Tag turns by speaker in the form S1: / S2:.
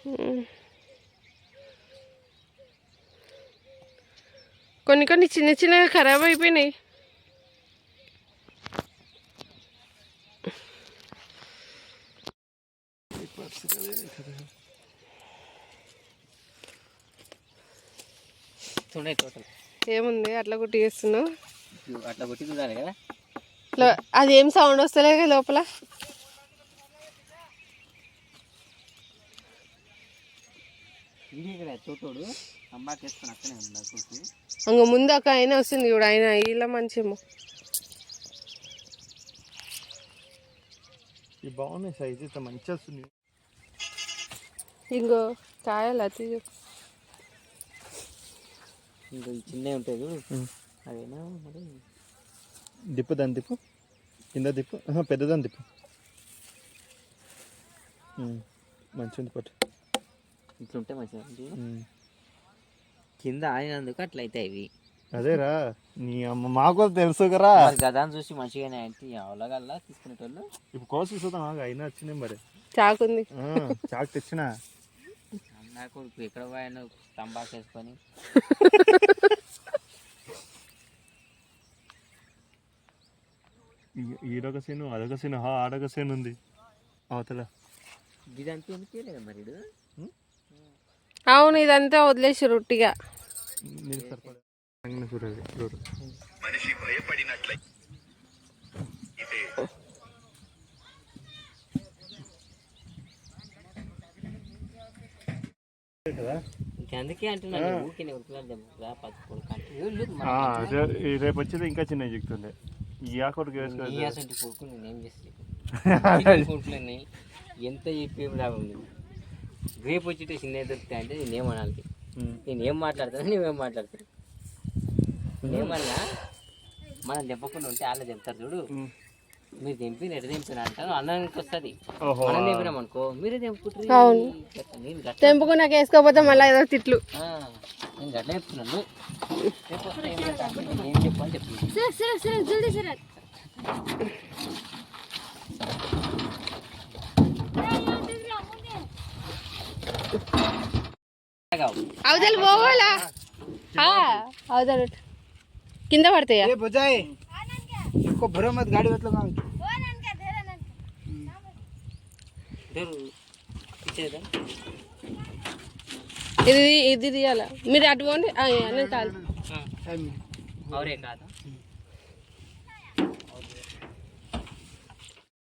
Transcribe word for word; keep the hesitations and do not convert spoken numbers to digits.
S1: కొన్ని కొన్ని చిన్న చిన్నగా ఖరాబ్ అయిపోయినాయి. ఏముంది అట్లా కొట్టి చేస్తున్నావు?
S2: అట్లా కొట్టి చూడాలి కదా.
S1: అది ఏం సౌండ్ వస్తలే లోపల.
S2: చోటోడు అంబాకి వేసుకొని అక్కనే ఉంది.
S1: అంగ ముందు అక్క ఆయన వస్తుంది ఇప్పుడు ఆయన ఇలా మంచేమో.
S3: బాగున్నాయి సైజ్ అయితే మంచిగా వస్తుంది.
S1: ఇంకో కాయలు అతి
S2: ఇంకో చిన్నవి ఉంటుంది అదేనా మరి.
S3: దిప్పు దాని దిప్పు కింద దిప్పు పెద్దదాన్ని దిప్పు. మంచిగా పట్టు
S2: ఇట్లుంటే మంచిగా కింద ఆడినందుకు అట్లా అవుతాయి ఇవి.
S3: అదేరా నీ అమ్మ మాకు తెలుసు కదా.
S2: గదాన్ని చూసి మంచిగానే అంటే అవలగల్లా తీసుకునేటోళ్ళు.
S3: ఇప్పుడు కోసి చూద్దాం అయినా వచ్చినాయి మరి.
S1: చాకుంది
S3: చాకు తెచ్చినా
S2: అన్నా కొడుకు ఎక్కడ పోయాను తంబాకు వేసుకొని.
S3: ఈడొక సీను అదొక సీను ఆడొక సీన్ ఉంది అవతల.
S2: ఇదంతా ఎందుకు లేదా మరి?
S1: అవును ఇదంతా వదిలేసి రొట్టిగా.
S2: అందుకే అంటున్నాను
S3: రేపు వచ్చేది ఇంకా చిన్న చెప్తుండే. ఈ ఆకొడుకు
S2: కొడుకు నేనేం చేస్తాను ఎంత చెప్పేం లాభం లేదు. రేపు వచ్చి చిన్న దొరుకుతాయి అంటే నేనేమనాలి? నేను ఏం మాట్లాడతాను నువ్వేం మాట్లాడతాను? నేనేమన్నా మనం తెప్పకుండా ఉంటే వాళ్ళే తెంపుతారు చూడు. మీరు తెంపి నెట తెంపిన అంటారు అన్నానికి వస్తుంది. మనం తెంపినాం అనుకో మీరే తెంపుకుంటారు.
S1: తెంపుకున్నాక వేసుకోకపోతే మళ్ళీ ఏదో తిట్లు.
S2: నేను గట్లా చెప్తున్నాను. ఏం చెప్పని చెప్తున్నాను.
S1: అవతల పోవాలా? అవతల కింద పడతాయా?
S4: గాడి
S1: ఇది ఇది తీయాలా? మీరు అటు పోండి. నేను కాదు
S2: అవరే కాదా